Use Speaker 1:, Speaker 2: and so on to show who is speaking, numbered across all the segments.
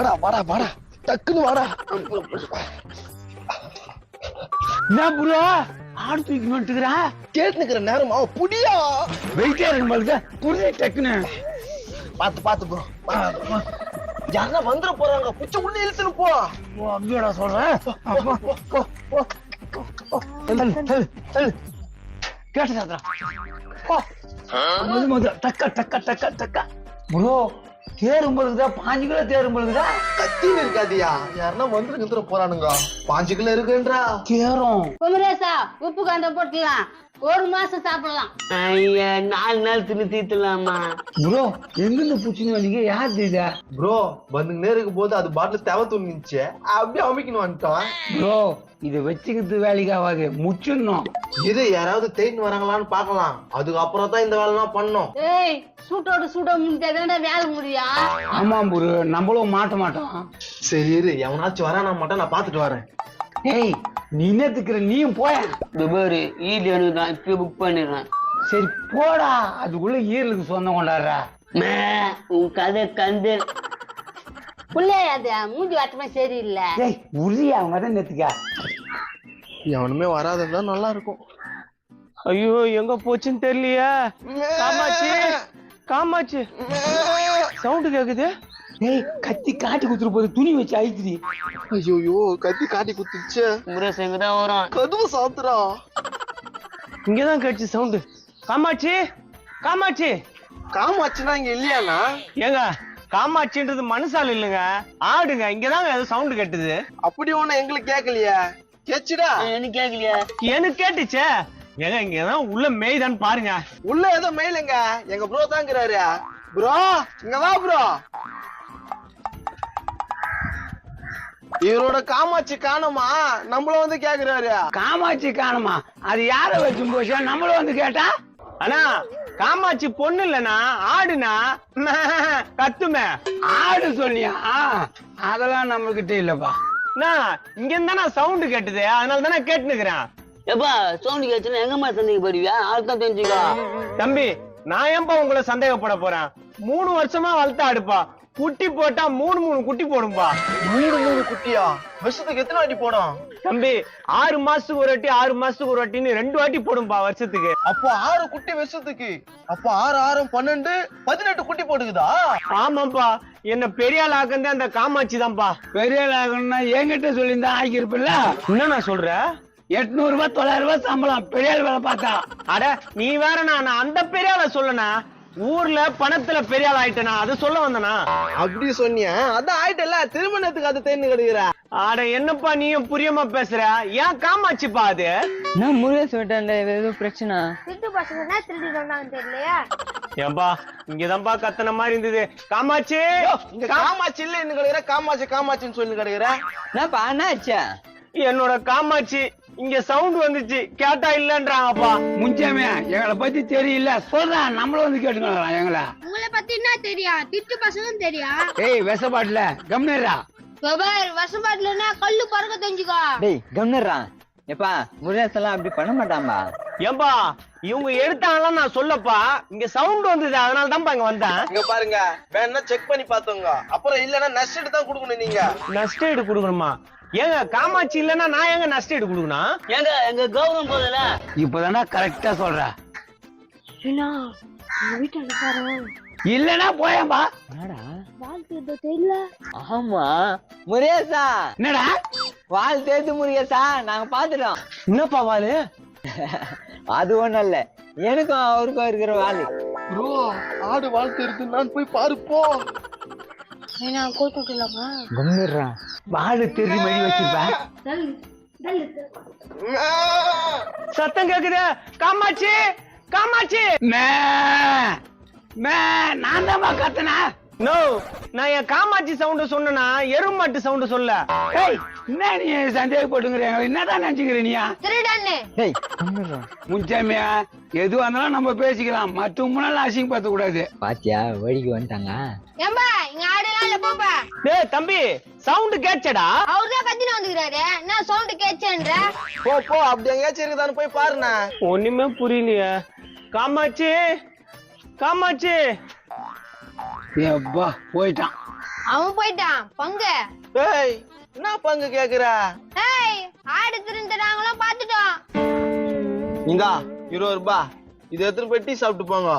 Speaker 1: வாடா வாடா வாடா டக்குன்னு வாடா.
Speaker 2: என்ன ப்ரோ ஆடு தூக்கி வந்துட்டுக்கிறா?
Speaker 1: கேட்டுக்கிற நேரமா புடியா
Speaker 2: வெயிட்டே இருக்கு பாருங்க. புரிய டக்குன்னு
Speaker 1: பாத்து பாத்து ப்ரோ. யாரா வந்துட போறாங்க, புச்ச உள்ள இழுத்துன்னு போ.
Speaker 2: ஓ அப்படியாடா சொல்றேன். கேட்டு சாத்திரா டக்கா டக்கா டக்கா டக்கா. ப்ரோ தேரும் பொழுதுதா 5 கிலோ தேரும் பொழுதுதா
Speaker 1: கத்தின்னு இருக்காதியா, யாருன்னா வந்துட போறானுங்க. 5 கிலோ இருக்குன்றா
Speaker 2: தேரும்.
Speaker 3: குமரேசா உப்பு காந்த போட்டுலாம் 1 மாசம் சாப்பிடலாம்.
Speaker 4: ஐயா 4 நாள் தின்னு தீர்த்துலாமா?
Speaker 2: ப்ரோ எங்கிருந்து பூச்சின்னு வந்தீங்க? யார் தெரியுதா?
Speaker 1: ப்ரோ வந்துங்கன்னே இருக்கும் போது அது பாட்டில் தேவை தூங்கிச்சு, அப்படியே அமைக்கணும் வந்துட்டோம்.
Speaker 2: ப்ரோ இதை வச்சுக்கிறது வேலைக்கு ஆகாது, முச்சிடணும்.
Speaker 1: இது யாராவது தேடின்னு வராங்களான்னு பாக்கலாம், அதுக்கப்புறம் தான் இந்த வேலைலாம் பண்ணோம்.
Speaker 3: ஏய் சூட்டோட சூட முடிஞ்சாதான்டா வேலை முடியும்.
Speaker 2: ஆமா ப்ரோ நம்மளும் மாட்ட மாட்டோம்.
Speaker 1: சரி இரு, எவனாச்சும் வரானா மாட்டா, நான் பாத்துட்டு வரேன்.
Speaker 2: ஏய் நீ என்னத்துக்குற, நீயும் போய.
Speaker 4: துபாரு ஈடு எனக்கு தான் இப்ப புக் பண்ணிடுறேன்.
Speaker 2: சரி போடா, அதுக்குள்ள ஈரலுக்கு சொந்தம் கொண்டாடுறா.
Speaker 4: உன் கதை கந்து
Speaker 3: புள்ளையாது மூஞ்சி வாட்டமே சரியில்லை.
Speaker 2: ஏய் உரியா அவங்க தான் நேத்துக்கா.
Speaker 1: எவனுமே வராததான் நல்லா இருக்கும்.
Speaker 5: ஐயோ எங்க போச்சுன்னு தெரியலையா? காமாட்சி காமாட்சி சவுண்ட் கேக்குது.
Speaker 2: ஏய் கத்தி காட்டி குத்துரு போது துணி வச்சு அழிக்குது.
Speaker 1: ஐயோ கத்தி காட்டி குத்துச்சு.
Speaker 4: முரேஷ் எங்கதான் வரும்.
Speaker 1: கதுவு சாத்துறா.
Speaker 5: இங்கதான் கேட்டுச்சு சவுண்டு. காமாட்சி காமாட்சி.
Speaker 1: காமாச்சுன்னா இங்க இல்லையாண்ணா?
Speaker 5: ஏங்க காமாட்சின்றது மனுஷால் இல்லைங்க, ஆடுங்க. இங்கதாங்க ஏதோ சவுண்டு கேட்டுது.
Speaker 1: அப்படி ஒண்ணு எங்களுக்கு கேட்கலையா? கேச்சுடா.
Speaker 4: எனக்கு கேட்கலையா?
Speaker 5: எனக்கு கேட்டுச்சே. ஏங்க இங்கதான் உள்ள மேய்தான்னு பாருங்க.
Speaker 1: உள்ள ஏதோ மெயிலுங்க, எங்க ப்ரோ தாங்கிறாரு. ப்ரோ இங்க வா ப்ரோ. இவரோட காமாட்சி காணுமா, நம்மள வந்து கேக்குறாரு.
Speaker 2: காமாட்சி காணுமா? அது யார வச்சு போச்சா? நம்மளும் வந்து கேட்டா
Speaker 5: ஆனா காமாட்சி பொண்ணு இல்லனா ஆடுனா கத்துமே.
Speaker 2: ஆடு சொன்னியா? அதெல்லாம் நம்ம கிட்ட இல்லப்பா.
Speaker 5: இங்க இருந்தா சவுண்ட் கேட்டுது, அதனால தானே கேட்டுனுக்குறேன்.
Speaker 4: எப்பா சவுண்ட் கேச்சுன்னா எங்கம்மா சந்தேகப்படுவியா? ஆள்தான் தெரிஞ்சுக்கோ.
Speaker 5: தம்பி நான் ஏன்பா உங்களை சந்தேகப்பட போறேன்? 3 வருஷமா வளர்த்த அடுப்பா, குட்டி போட்டா 3 குட்டி போடும்பா.
Speaker 1: 3 குட்டியா? வருஷத்துக்கு எத்தனை வாட்டி போடும்
Speaker 5: தம்பி? 6 மாசத்துக்கு ஒரு வாட்டி 6 மாசத்துக்கு ஒரு வாட்டின்னு 2 வாட்டி போடும்பா வருஷத்துக்கு.
Speaker 1: அப்போ 6 குட்டி வருஷத்துக்கு. அப்போ 6 6 12 18 குட்டி போட்டுக்குதா?
Speaker 5: ஆமாப்பா, என்ன பெரிய ஆள் ஆக்குந்தே அந்த காமாட்சி தான்ப்பா.
Speaker 2: பெரிய ஆகணும்னா என்கிட்ட சொல்லியிருந்தா ஆக்கியிருப்பில்ல.
Speaker 5: என்ன நான் சொல்றேன்?
Speaker 2: 800 ரூபாய் 900 ரூபாய் சம்பளம் பெரிய ஆள் வேலை பார்த்தா.
Speaker 5: அட நீ வேற, நான் அந்த பெரிய ஆள சொல்லனா, ஊர்ல பணத்துல பெரிய ஆள் ஆயிட்டனா அது சொல்ல வந்தனா?
Speaker 1: அப்படி சொன்னியா? அதான் ஆயிட்டல, திருமணத்துக்கு அது தேர்ந்து கிடைக்கிற.
Speaker 5: அட என்னப்பா நீயும் புரியமா பேசுற? ஏன் காமாட்சிப்பா அது?
Speaker 4: நான் முருகேஷ் விட்டேன், ஏதோ பிரச்சனை.
Speaker 3: திருட்டு பசங்க திருடி சொன்னாங்க தெரியலையா?
Speaker 5: ஏன்பா இங்கதான்பா கத்தன மாதிரி இருந்தது. காமாட்சி
Speaker 1: இங்க காமாட்சி இல்ல என்ன கிடைக்கிற, காமாட்சி காமாட்சின்னு சொல்லி கிடைக்கிற.
Speaker 4: என்னப்பா என்னாச்சா?
Speaker 5: என்னோட காமாட்சி இங்க சவுண்ட் வந்துச்சு, கேட்டா இல்லன்றாங்கப்பா.
Speaker 2: முஞ்சமே எங்களை பத்தி தெரியல சொல்றேன், நம்மளும் வந்து கேட்டுக்கலாம் எங்களை.
Speaker 3: உங்களை பத்தி என்ன தெரியும்? திருட்டு பசங்க தெரியும்.
Speaker 2: ஏய் விஷப்பாட்டுல கம்னரா
Speaker 3: வசப்பாட்டுலன்னா கல்லு பறக்க தெரிஞ்சுக்கோ.
Speaker 4: டேய் கம்னர்ரா. எப்பா முருகேஷ் எல்லாம் அப்படி பண்ண மாட்டான்பா.
Speaker 5: ஏன்பா இவங்க எடுத்தாங்களாம் நான் சொல்லப்பா, இங்க சவுண்ட் வந்தது அதனால தான்ப்பா இங்க வந்தேன்.
Speaker 1: இங்க பாருங்க, வேணா செக் பண்ணி பாத்துங்க, அப்புறம் இல்லன்னா நஷ்டம் தான் கொடுக்கணும். நீங்க
Speaker 5: நஷ்ட ஈடு கொடுக்கணுமா? ஏங்க காமாட்சி இல்லன்னா நான் எங்க நஷ்ட ஈடு கொடுக்கணும்?
Speaker 4: ஏங்க எங்க கௌரவம் போதல.
Speaker 2: இப்பதானா கரெக்டா சொல்ற.
Speaker 3: வீட்டாண்ட பாரு.
Speaker 2: இல்லன்னா போயம்பா.
Speaker 3: வாழ்க்கை தெரியல.
Speaker 4: ஆமா முருகேஷா.
Speaker 2: என்னடா
Speaker 4: வால் தேய்த்து முருகேஷா, நாங்க பாத்துட்டோம்.
Speaker 5: என்னப்பா வாலு?
Speaker 4: அது ஒண்ணும் இல்ல, எனக்கும் அவருக்கும் இருக்கிற வாலு.
Speaker 1: ப்ரோ ஆடு வாழ்த்து இருக்கு, நான் போய் பாருப்போ.
Speaker 3: கூட்டுலாமா?
Speaker 4: கம்னர்ரா.
Speaker 2: வாழு தெரி மணி வச்சிருப்பா.
Speaker 5: சத்தம் கேக்குது. காமாட்சி காமாட்சி.
Speaker 2: மே மே நான் தான் கத்தனா.
Speaker 5: நோ, நான் என் காமாட்சி சவுண்ட் சொன்னா எருமாட்டு சவுண்ட் சொல்ல.
Speaker 2: ஏய் என்ன நீ சந்தேகப்பட்டுங்கிற, என்னதான் நினைச்சுக்கிற நீயா?
Speaker 3: திருடன்னு.
Speaker 4: டேய் கம்னர்ரா.
Speaker 2: முன்சாமியா எதுவா இருந்தாலும் நம்ம பேசிக்கலாம், மற்ற முன்னால அசிங்க பார்த்த கூடாது.
Speaker 4: பாத்தியா வழிக்கு வந்துட்டாங்க.
Speaker 3: ஏம்பா இங்க ஆடுலாம் இல்ல போப்பா.
Speaker 5: டேய் தம்பி சவுண்ட் கேட்சடா?
Speaker 3: அவர்தான் கத்தின வந்துக்கிறாரு, நான் சவுண்ட் கேட்சேன்ற.
Speaker 1: போ போ, அப்படி எங்கேயாச்சும் இருக்குதான்னு போய் பாருண்ணா.
Speaker 5: ஒண்ணுமே புரியலையே. காமாட்சி காமாட்சி.
Speaker 2: ஏப்பா போயிட்டான்.
Speaker 6: அவன் போயிட்டான் பங்கு.
Speaker 1: ஏய் என்ன பங்கு கேக்குற?
Speaker 6: ஏய் ஆடு திருந்துறாங்களாம் பாத்துட்டோம்.
Speaker 1: இங்க 20 ரூபாய் இது எடுத்துட்டு போய் டீ சாப்பிட்டு போங்க.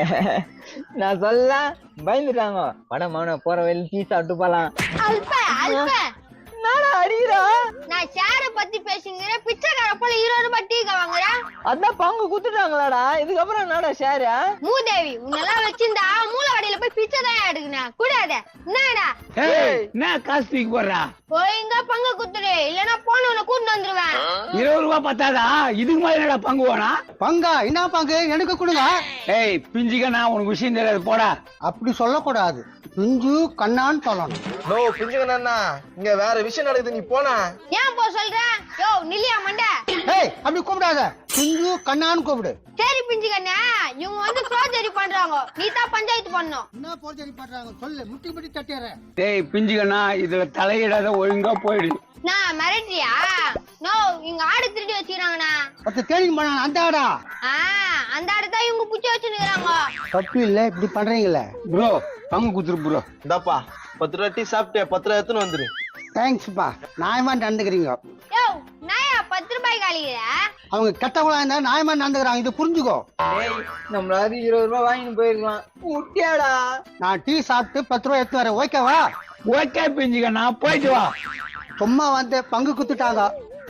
Speaker 4: நான் சொல்ல பயந்துட்டாங்க. படம் அவனை போற வயல டீ சாப்பிட்டு போலாம்.
Speaker 6: அல்ப அல்ப
Speaker 4: நானா அடிக்கிறா?
Speaker 6: நான் ஷேர பத்தி பேசுங்கிறேன். பிச்சைக்கார போல 20 ரூபாய் டீக்க வாங்குறேன்.
Speaker 4: அதான் பங்கு குத்துட்டாங்களாடா. இதுக்கப்புறம் என்னடா ஷேர்?
Speaker 6: மூதேவி உன்னெல்லாம் வச்சிருந்தா மூளை கடையில போய் பிச்சை தான் எடுக்கணும். கூடாத என்னடா?
Speaker 2: ஏய் என்ன காசு தூக்கி போடுறா?
Speaker 6: போயிங்க பங்கு குத்துரு, இல்லன்னா போனவனை கூட்டு வந்துருவேன்.
Speaker 2: 20 ரூபாய் பத்தாதா? இதுக்கு மாதிரி என்னடா பங்கு வேணா?
Speaker 7: பங்கா என்ன பங்கு எனக்கு கொடுங்க.
Speaker 2: ஏய் பிஞ்சிக்கண்ணா உனக்கு விஷயம் தெரியாது போடா.
Speaker 7: அப்படி சொல்லக்கூடாது, பிஞ்சு கண்ணான்னு சொல்லணும்.
Speaker 1: நோ பிஞ்சுக்கண்ணா இங்க வேற விஷயம் நடக்குது, நீ போனா.
Speaker 6: ஏன் போ சொல்ற? யோ நில்லியா மண்ட.
Speaker 7: ஏய் அப்படி கூப்பிடாத, பிஞ்சு கண்ணான்னு கூப்பிடு.
Speaker 6: சரி பிஞ்சுக்கண்ணா, இவங்க வந்து சோதரி பண்றாங்க, நீ தான் பஞ்சாயத்து பண்ணணும்.
Speaker 7: என்ன போர்ஜரி பண்றாங்க சொல்லு, முட்டி முட்டி தட்டிடுறேன்.
Speaker 2: டேய் பிஞ்சிக்கண்ணா இதுல தலையிடாத ஒழுங்கா போயிடு.
Speaker 6: நான் மிரட்டியா? நோ இங்க ஆடு திருடி வச்சுக்கிறாங்கண்ணா.
Speaker 7: 10 தேனிங் பண்ண அந்த ஆடா.
Speaker 6: அந்த ஆடு தான் இவங்க புடிச்சு வச்சுக்கிறாங்க.
Speaker 7: தப்பு இல்ல இப்படி பண்றீங்களே.
Speaker 2: ப்ரோ பங்கு குத்துரு ப்ரோ.
Speaker 1: இந்தாப்பா 10 ரூபாய் டீ சாப்பிட்டு 10 ரூபாய் எடுத்துன்னு வந்துரு.
Speaker 7: தேங்க்ஸ்ப்பா, நியாயமா நடந்துக்கிறீங்க.
Speaker 6: யோ நாயா 10 ரூபாய் காலிக்கிற?
Speaker 7: அவங்க கெட்டவங்களா இருந்தா நியாயமா நடந்துக்கிறாங்க, இது புரிஞ்சுக்கோ.
Speaker 4: நம்மளாவது 20 ரூபாய் வாங்கிட்டு போயிருக்கலாம். முட்டியாடா.
Speaker 7: நான் டீ சாப்பிட்டு 10 ரூபாய் எடுத்து வரேன், ஓகேவா?
Speaker 2: ஓகே பிஞ்சிக்கண்ணா போயிட்டு வா.
Speaker 7: சும்மா வந்து பங்கு குத்துட்டாங்க.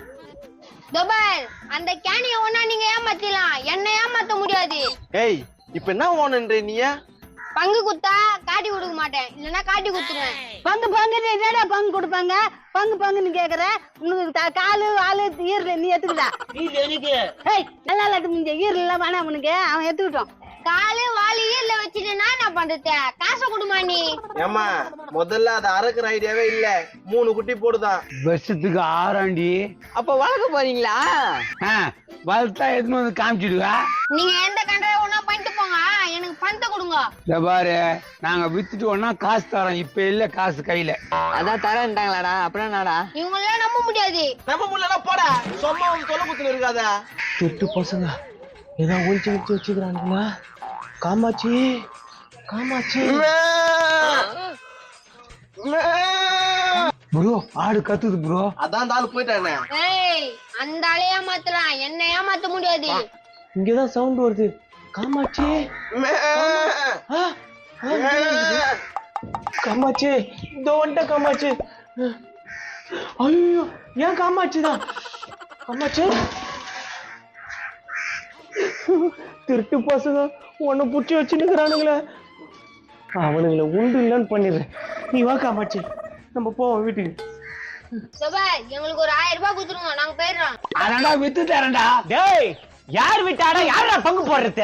Speaker 6: துபாய் அந்த கேனிய ஒண்ணா நீங்க ஏமாத்திடலாம், என்ன ஏமாத்த முடியாது.
Speaker 1: ஏய் இப்ப என்ன ஓனன்ற நீ?
Speaker 6: பங்கு குத்தா காட்டி கொடுக்க மாட்டேன், இல்லன்னா காட்டி குத்துருவேன்.
Speaker 3: பங்கு பங்குன்னு என்னடா பங்கு கொடுப்பாங்க? பங்கு பங்குன்னு கேக்குற? உனக்கு காலு வாலு ஈரல நீ எடுத்துக்கிட்டா? ஏய் நல்லா இல்லாட்டு முடிஞ்ச ஈரல் எல்லாம் வேணாம் உனக்கு, அவன் எடுத்துக்கிட்டோம்.
Speaker 6: காலு வாலி ஈரல வச்சுட்டு நான் என்ன பண்றது? காசை கொடுமா நீ.
Speaker 1: ஏமா முதல்ல அது அறக்குற ஐடியாவே இல்ல, 3 குட்டி போடுதான்.
Speaker 2: வருஷத்துக்கு 6 ஆண்டி.
Speaker 4: அப்ப வளர்க்க போறீங்களா?
Speaker 2: வளர்த்தா எதுன்னு வந்து காமிச்சிடுவா.
Speaker 6: நீங்க எந்த கண்டரை ஒண்ணா பண்ணிட்டு போங்க, எனக்கு பணத்தை கொடுங்க.
Speaker 2: இந்த பாரு நாங்க வித்துட்டு ஒன்னா காசு தரோம், இப்ப இல்ல காசு கையில.
Speaker 4: அதான் தரேன்ட்டாங்களாடா. அப்புறம் என்னடா?
Speaker 6: இவங்களெல்லாம் நம்ப முடியாது.
Speaker 1: நம்ம முள்ளனா போட சும்மா வந்து தொலை குத்துல இருக்காத. திட்டு பசங்க ஏதோ ஒளிச்சு வச்சு வச்சுக்கிறானுங்களா? காமாட்சி காமாட்சி
Speaker 2: ப்ரோ ஆடு கத்துது ப்ரோ.
Speaker 1: அதான் அந்த ஆளு போயிட்டானே.
Speaker 6: ஏய் அந்த ஆளே ஏமாத்தலாம், என்ன ஏமாத்த முடியாது.
Speaker 1: இங்கதான் சவுண்ட் வருது. காமாட்சி காமாட்சி இதோ வந்துட்ட காமாட்சி. ஐயோ ஏன் காமாட்சி தான்? காமாட்சி திருட்டு பசங்க உன்னை புடிச்சு வச்சுருக்கிறானுங்களே, அவனுங்களை உண்டு இல்லைன்னு பண்ணிடுறேன். நீ வா காமாட்சி நம்ம போவோம் வீட்டுக்கு.
Speaker 6: துபாய் எங்களுக்கு ஒரு 1000 ரூபாய் கொடுத்துருங்க, நாங்க போயிடுறோம்.
Speaker 2: அடடா வித்து தரேன்டா.
Speaker 5: டேய் யார் விட்டாடா? யாரா பங்கு போடுறது?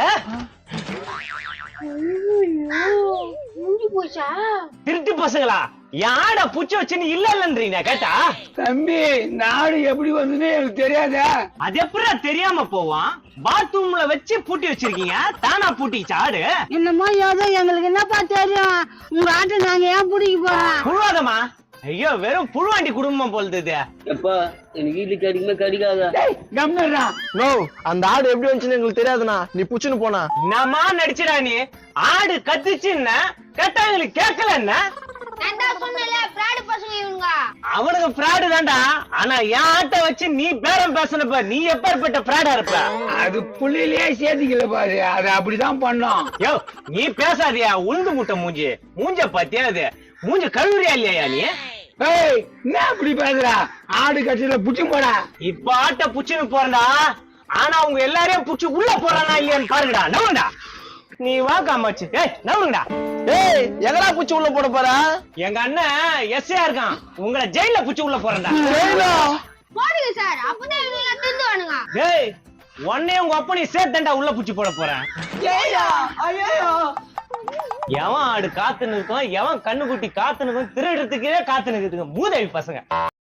Speaker 6: முடிஞ்சு போச்சா?
Speaker 5: திருட்டு பசங்களா? யாரா புடிச்சு வச்சுன்னு இல்ல இல்லன்றீங்க கேட்டா?
Speaker 2: தம்பி நாடு எப்படி வந்துன்னு எனக்கு தெரியாதா?
Speaker 5: அது எப்படா தெரியாம போவான்? பாத்ரூம்ல வச்சு பூட்டி வச்சிருக்கீங்க, தானா பூட்டிச்சு ஆடு?
Speaker 3: என்னமோ ஏதோ எங்களுக்கு என்னப்பா தெரியும், உங்க ஆட்டை நாங்க ஏன் பிடிக்க போறோம்?
Speaker 5: புழுவாதமா? ஐயோ வெறும் புழுவாண்டி குடும்பம் போல்து.
Speaker 2: கம்னர்டா.
Speaker 1: நோ அந்த ஆடு எப்படி வந்துச்சுன்னு எங்களுக்கு தெரியாதுண்ணா, நீ புச்சுன்னு போனா.
Speaker 5: என்னமா நடிச்சுடா நீ? ஆடு கத்துச்சுன்னா கேட்டவங்களுக்கு கேட்கல என்ன?
Speaker 6: நான் தான் சொன்னல பிராடு பசங்க இவங்க.
Speaker 5: அவனுக்கு பிராடு தான்டா. ஆனா என் ஆட்டை வச்சு நீ பேரம் பேசனப்ப நீ எப்பேற்பட்ட பிராடா இருப்ப?
Speaker 2: அது புள்ளிலேயே சேர்த்திக்கல பாரு, அது அப்படிதான் பண்ணோம்.
Speaker 5: யோ நீ பேசாதியா உளுந்து முட்டை மூஞ்சி. மூஞ்ச பாத்தியா? அது மூஞ்ச கழுவுறியா இல்லையா நீ?
Speaker 2: ஏய் என்ன அப்படி பேசுறா? ஆடு கட்சியில புடிச்சு போடா.
Speaker 5: இப்ப ஆட்டை புச்சுன்னு போறா, ஆனா அவங்க எல்லாரையும் புடிச்சு உள்ள போறானா இல்லையான்னு பாருங்கடா. நவுங்கடா நீ வா காமாச்சு. ஏய் நவுங்கடா.
Speaker 1: ஏய் எங்கடா புச்சு உள்ள போட போற?
Speaker 5: எங்க அண்ணன் எஸ்ஐயா இருக்கான், உங்களை ஜெயில புடிச்சு உள்ள போறேன்டா.
Speaker 6: போடுங்க சார், அப்பதான் இவங்க எல்லாம் திருந்து வானுங்க.
Speaker 5: டேய் உன்னையும் உங்க அப்பனையும் சேர்த்தண்டா உள்ள புடிச்சு போட போறேன். எவன் ஆடு காத்து நிற்கும், எவன் கண்ணுக்குட்டி காத்து நிற்கும், திருடுறதுக்கே காத்து நிற்குதுங்க மூதேவி பசங்க.